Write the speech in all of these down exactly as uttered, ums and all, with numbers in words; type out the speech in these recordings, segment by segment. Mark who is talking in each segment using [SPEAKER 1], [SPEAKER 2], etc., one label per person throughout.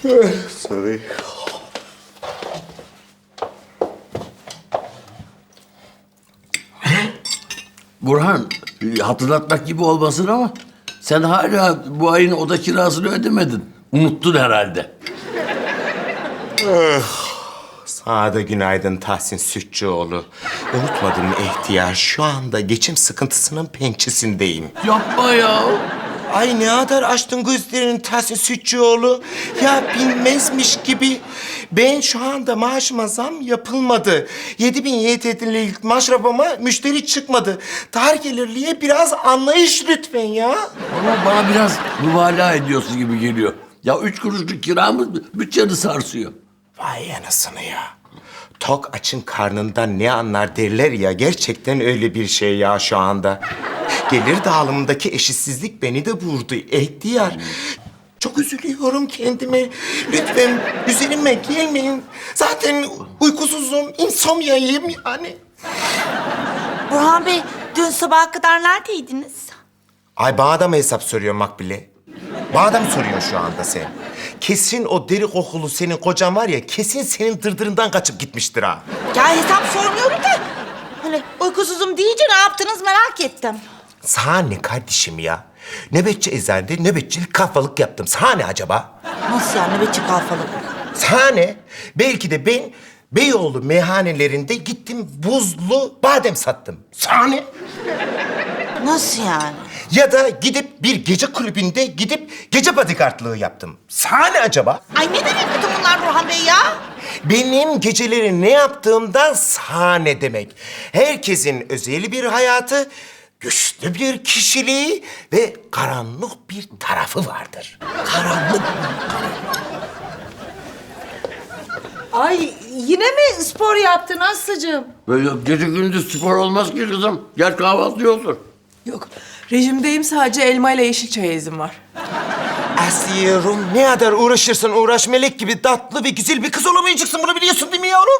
[SPEAKER 1] Sorry.
[SPEAKER 2] Burhan, hatırlatmak gibi olmasın ama sen hala bu ayın oda kirasını ödemedin. Unuttun herhalde.
[SPEAKER 1] Sana da günaydın Tahsin Sütçüoğlu. Unutmadım mı ihtiyar? Şu anda geçim sıkıntısının pençesindeyim.
[SPEAKER 2] Yapma ya.
[SPEAKER 1] Ay ne kadar açtın gözlerini Tahsin Sütçüoğlu. Ya bilmezmiş gibi. Ben şu anda maaşıma zam yapılmadı. Yedi bin Y T L'lik maşrafıma müşteri çıkmadı. Dar gelirliye biraz anlayış lütfen ya.
[SPEAKER 2] Ama bana biraz mübalağa ediyorsun gibi geliyor. Ya üç kuruşluk kiramız bütçeni sarsıyor.
[SPEAKER 1] Vay anasını ya. Tok açın karnından ne anlar derler ya. Gerçekten öyle bir şey ya şu anda. Gelir dağılımındaki eşitsizlik beni de vurdu. İhtiyar. Çok üzülüyorum kendime. Lütfen üzerime gelmeyin. Zaten uykusuzum, insomyayım yani.
[SPEAKER 3] Burhan Bey, dün sabaha kadar neredeydiniz?
[SPEAKER 1] Ay bana da mı hesap soruyor Makbule? Bana da mı soruyorsun şu anda sen? Kesin o deri kokulu senin kocan var ya, kesin senin dırdırından kaçıp gitmiştir ha.
[SPEAKER 3] Ya hesap sormuyorum da. Hani uykusuzum deyince ne yaptınız merak ettim.
[SPEAKER 1] Sana ne kardeşim ya? Nöbetçi eczanede nöbetçilik kahvalık yaptım. Sana ne acaba?
[SPEAKER 3] Nasıl yani nöbetçi kalfalık?
[SPEAKER 1] Sana ne? Belki de ben Beyoğlu meyhanelerinde gittim buzlu badem sattım. Sana ne?
[SPEAKER 3] Nasıl yani?
[SPEAKER 1] Ya da gidip bir gece kulübünde gidip gece bodyguardlığı yaptım. Sana ne acaba?
[SPEAKER 3] Ay ne demek bütün bunlar Burhan Bey ya?
[SPEAKER 1] Benim geceleri ne yaptığımdan sana ne demek? Herkesin özel bir hayatı, güçlü bir kişiliği ve karanlık bir tarafı vardır. Karanlık.
[SPEAKER 4] Ay yine mi spor yaptın Aslı'cığım?
[SPEAKER 2] Böyle gece gündüz spor olmaz ki kızım. Gel kahvaltı olsun.
[SPEAKER 5] Yok, rejimdeyim, sadece elma ile yeşil çaya izin var.
[SPEAKER 1] Aslıyorum, ne kadar uğraşırsan uğraş melek gibi tatlı ve güzel bir kız olamayacaksın. Bunu biliyorsun değil mi yavrum?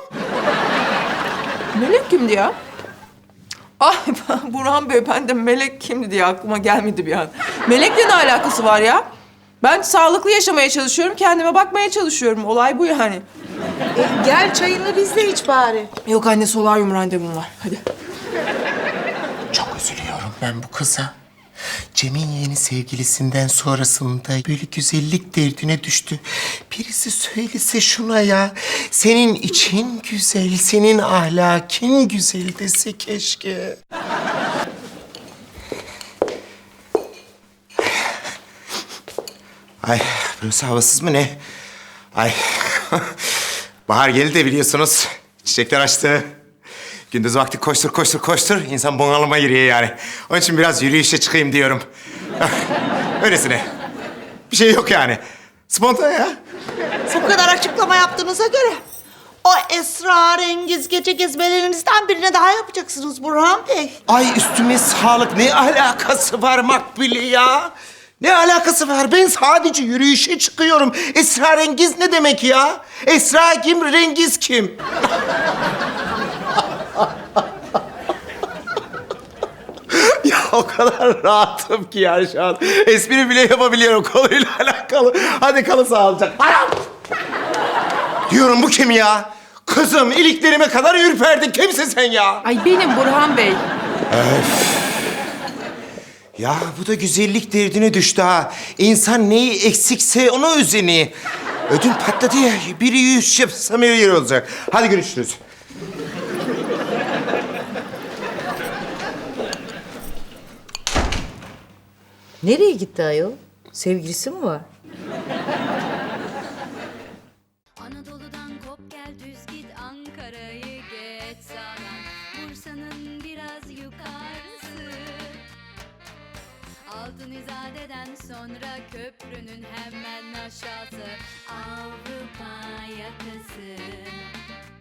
[SPEAKER 5] Melek kimdi ya? Ay Burhan Bey, ben de melek kimdi diye aklıma gelmedi bir an. Melekle ne alakası var ya? Ben sağlıklı yaşamaya çalışıyorum, kendime bakmaya çalışıyorum. Olay bu yani.
[SPEAKER 4] E, gel çayını bizle iç bari.
[SPEAKER 5] Yok anne, solaryum randevum var. Hadi.
[SPEAKER 1] Çok üzülüyorum ben bu kıza. Cem'in yeni sevgilisinden sonrasında böyle güzellik derdine düştü. Birisi söylese şuna ya. Senin için güzel, senin ahlakin güzel dese keşke. Ay, burası havasız mı ne? Ay, bahar geldi de biliyorsunuz. Çiçekler açtı. Gündüz vakti koştur koştur koştur. İnsan bunalıma giriyor yani. Onun için biraz yürüyüşe çıkayım diyorum. Öylesine. Bir şey yok yani. Spontane ya.
[SPEAKER 3] Bu kadar açıklama yaptığınıza göre o esrarengiz gece gezmelerinizden birine daha yapacaksınız Burhan Bey.
[SPEAKER 1] Ay üstüme sağlık. Ne alakası var Makbule ya? Ne alakası var? Ben sadece yürüyüşe çıkıyorum. Esrarengiz ne demek ya? Esra kim, rengiz kim? Ya o kadar rahatım ki ya şu an. Espri bile yapabiliyorum konuyla alakalı. Hadi kalın sağlıcakla. Anam! Diyorum bu kim ya? Kızım iliklerime kadar ürperdin. Kimsin sen ya?
[SPEAKER 5] Ay benim Burhan Bey.
[SPEAKER 1] Ya bu da güzellik derdine düştü ha. İnsan neyi eksikse ona özeni. Ödüm patladı ya. Biri yüz yapsam her yer olacak. Hadi görüşürüz.
[SPEAKER 4] Nereye gitti ayol? Sevgilisi mi var?
[SPEAKER 6] Anadolu'dan kop gel düz git Ankara'yı geç sağdan Bursa'nın biraz yukarısı Altın İzade'den sonra köprünün hemen aşağısı Avrupa yakası